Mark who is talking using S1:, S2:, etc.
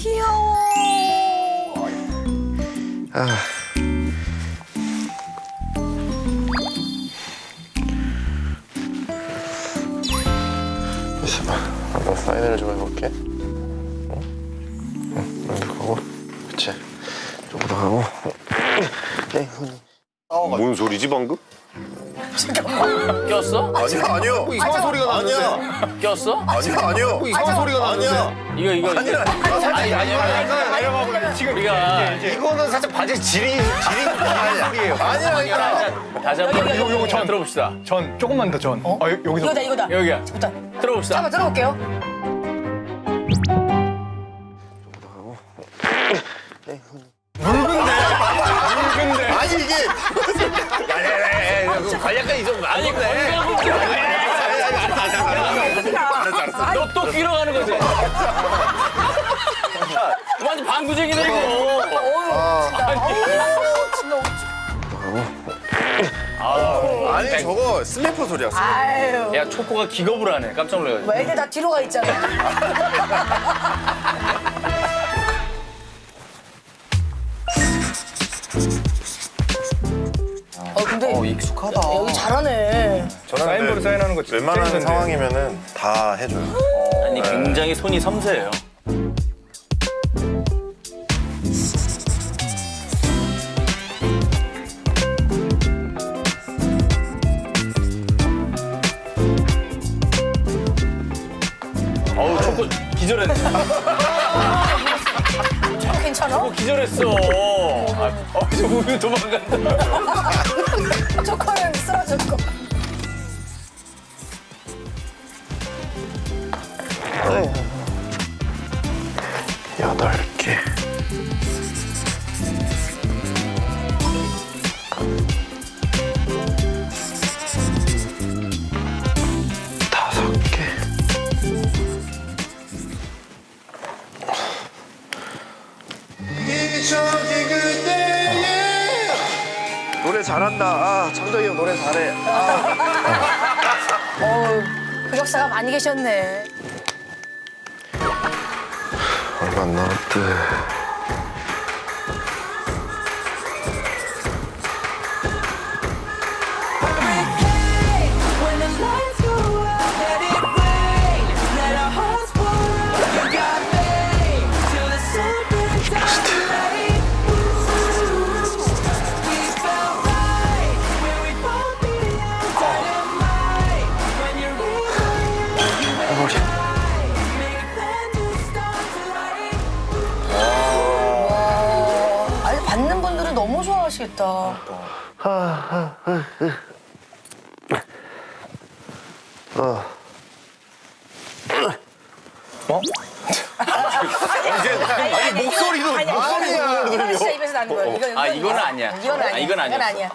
S1: 귀여워.
S2: 아. 있어봐. 한번 사인을 좀 해볼게. 응? 이렇게 하고, 그치. 조금 더 하고. 네,
S3: 뭔 소리지 방금?
S4: 꼈어?
S3: 아니요.
S2: 이상한 소리가 나는데.
S4: 꼈어?
S3: 아니요.
S2: 이상한 소리가 나는데.
S4: 이거
S3: 아니야.
S4: 우리가
S2: 이거는 살짝 바지 지린 소리예요.
S3: 아니야.
S4: 다시 한번
S5: 요거 전
S4: 들어봅시다.
S5: 전 조금만 더 전. 여기서
S1: 이거다.
S4: 여기야.
S1: 좋다.
S4: 들어봅시다.
S1: 한번 들어볼게요.
S3: 아니 이게
S4: 관략까지 좀 아니 너또 끼러 가는 거지? 완전 방구쟁이네 이거.
S3: 아니 저거 슬리퍼 소리야.
S1: 아유.
S4: 야 초코가 기겁을 하네. 깜짝 놀라가지고.
S1: 왜 애들 다 뒤로 가 있잖아. 근데
S3: 익숙하다.
S1: 여기 잘하네.
S5: 사인볼을 사인하는 거 진짜
S3: 웬만한
S5: 힘든데.
S3: 상황이면은 다 해줘요.
S4: 아니 굉장히 손이 섬세해요. 어우 초코 기절했네.
S1: 괜찮아?
S4: 기절했어. 저 우유 도망간다.
S1: 초코는 쓰러졌고.
S2: 여덟 개. 다섯 개. 노래 잘한다. 아, 창덕이 형 노래 잘해.
S1: 흑역사가 많이 계셨네.
S2: 얼마 안 남았대.
S6: When the lights go out, let it rain. Let our hearts pour out. You got me till the sun burns out the light. We felt right when we both began dynamite. When you're in my arms, you and I make a plan to start to light.
S1: 아니 받는 분들은 너무 좋아하시겠다.
S3: 아니 목소리도
S1: 아니야. 이거는 진짜 입에서 나는 거야.
S4: 이거는 아니야.
S1: 이건 아니야.
S4: 이건 아니었어.
S1: 이건 아니야.